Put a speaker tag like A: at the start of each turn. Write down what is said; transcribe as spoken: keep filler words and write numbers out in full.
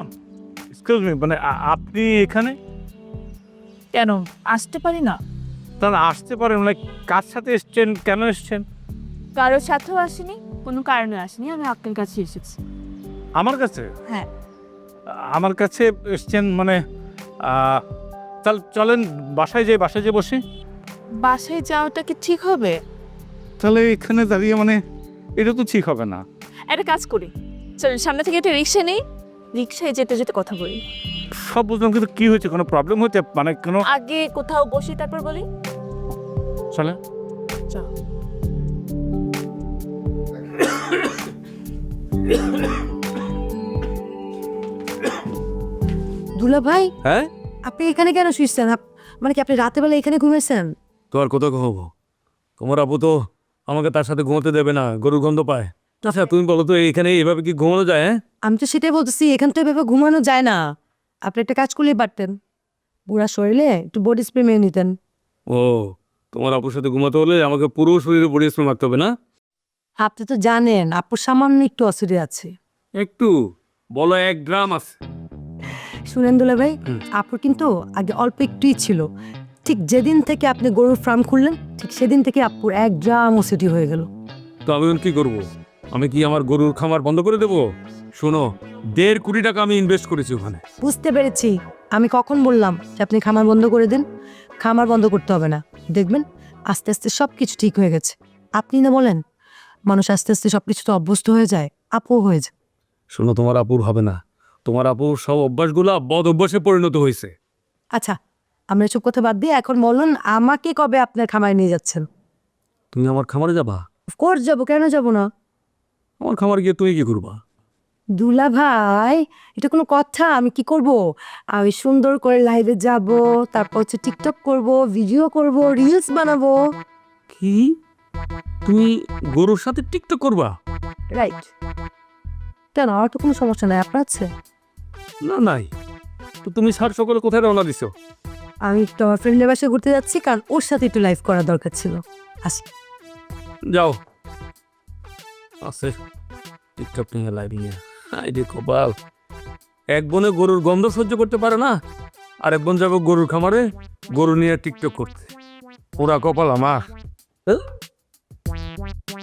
A: Excuse me, মানে আ- আপনি এখানে?
B: কেন আসতে পারি না?
A: তাহলে আসতে পারেন, লাইক কার সাথে এসছেন, কেন এসছেন?
B: কারোর সাথেও আসিনি, কোনো কারণে আসিনি, আমি আপনার কাছে এসেছি।
A: আমার কাছে?
B: হ্যাঁ।
A: আমার কাছে এসছেন মানে আহ, তাহলে চলেন বাসায় যাই, বাসায় যেয়ে বসি।
B: বাসায় যাওয়াটা কি ঠিক হবে?
A: তাহলে এখানে দাঁড়িয়ে মানে এটা তো ঠিক হবে না।
B: একটা কাজ করি, চল সামনে থেকে একটা রিক্সা নেই, রিক্সায় যেতে যেতে কথা বলি।
A: সব বুঝলাম, কিন্তু কি হয়েছে, কোনো প্রবলেম হয়েছে মানে কোনো?
B: আগে কোথাও বসি তারপর বলি।
A: চলে
B: চল।
C: দুলা ভাই,
D: হ্যাঁ,
C: আপনি এখানে কেন শুয়েছেন? আপ- মানে কি আপনি রাতে বেলা এখানে ঘুমিয়েছেন?
D: তো আর কোথাও ঘুমাবো? তোমার আপু তো আমাকে তার সাথে ঘুমোতে দেবে না, গরুর গন্ধ পায়। আচ্ছা তুমি বলো তো, এখানে এভাবে কি ঘুমানো যায়? হ্যাঁ,
C: আমি তো সেটাই বলতেছি, এখান তো এভাবে ঘুমানো যায় না। আপনি একটা কাজ করলেই পারতেন, বুড়া শরীরে একটু বডি স্প্রে মেরে নিতেন।
D: ও, তোমার আপুর সাথে ঘুমাতে হলে আমাকে পুরো শরীরে বডি স্প্রে মারতে হবে না?
C: আপনি তো জানেন আপুর সামান্য একটু অসুবিধা আছে।
D: একটু বলো, এক গ্রাম আছে।
C: শুনেন দুলা ভাই,
D: হুম।
C: আপুর কিন্তু আগে অল্প একটুই ছিল, ঠিক যেদিন থেকে আপনি গরুর ফার্ম খুললেন ঠিক সেদিন থেকে আপুর এক গ্রাম ওসিটি হয়ে গেল।
D: তো আমি এখন কি করবো? আমি কি আমার গরুর খামার বন্ধ করে দেবো? শোনো, দেড় কোটি টাকা আমি ইনভেস্ট করেছি ওখানে।
C: বুঝতে পেরেছি, আমি কখন বললাম যে আপনি খামার বন্ধ করে দিন? খামার বন্ধ করতে হবে না, দেখবেন আস্তে আস্তে সব কিছু ঠিক হয়ে গেছে। আপনি না বলেন, মানুষ আস্তে আস্তে সব কিছু তো অভ্যস্ত হয়ে যায়, আপও হয়ে যায়।
D: শোনো, তোমার আপুর হবে না। তোমার আপুর সব অভ্যাসগুলা বদ অভ্যাসে পরিণত হয়েছে।
C: আচ্ছা, আমরা এসব কথা বাদ দিয়ে এখন বলুন আমাকে কবে আপনার খামারে নিয়ে যাচ্ছেন?
D: তুমি আমার খামারে যাবা?
C: অফকোর্স যাবো, কেন যাবো না?
D: আমার খামার গিয়ে তুমি কি করবা?
C: দুলা ভাই, এটা কোনো কথা? আমি কি করব? আমি সুন্দর করে লাইভে যাব, তারপর হচ্ছে টিকটক করব, ভিডিও করব, রিলস বানাবো।
D: কি? তুমি গরুর সাথে টিকটক করবা?
C: রাইট। কেন, আমার তো কোনো সমস্যা নাই, আপনার আছে?
D: না, নাই। তো তুমি স্যার সকালে কোথায় রওনা দিছো?
C: আমি একটু আমার ফ্রেন্ডের বাসায় ঘুরতে যাচ্ছি, কারণ ওর সাথে একটু লাইভ করা দরকার ছিল। আসি।
D: যাও। আছে টিকটক নিয়ে লাইভ নিয়ে। আই রে কপাল, এক বোনে গরুর গন্ধ সহ্য করতে পারে না, আর এক বোন যাবো গরুর খামারে গরু নিয়ে টিকটক করতে। ওরা কপাল আমার।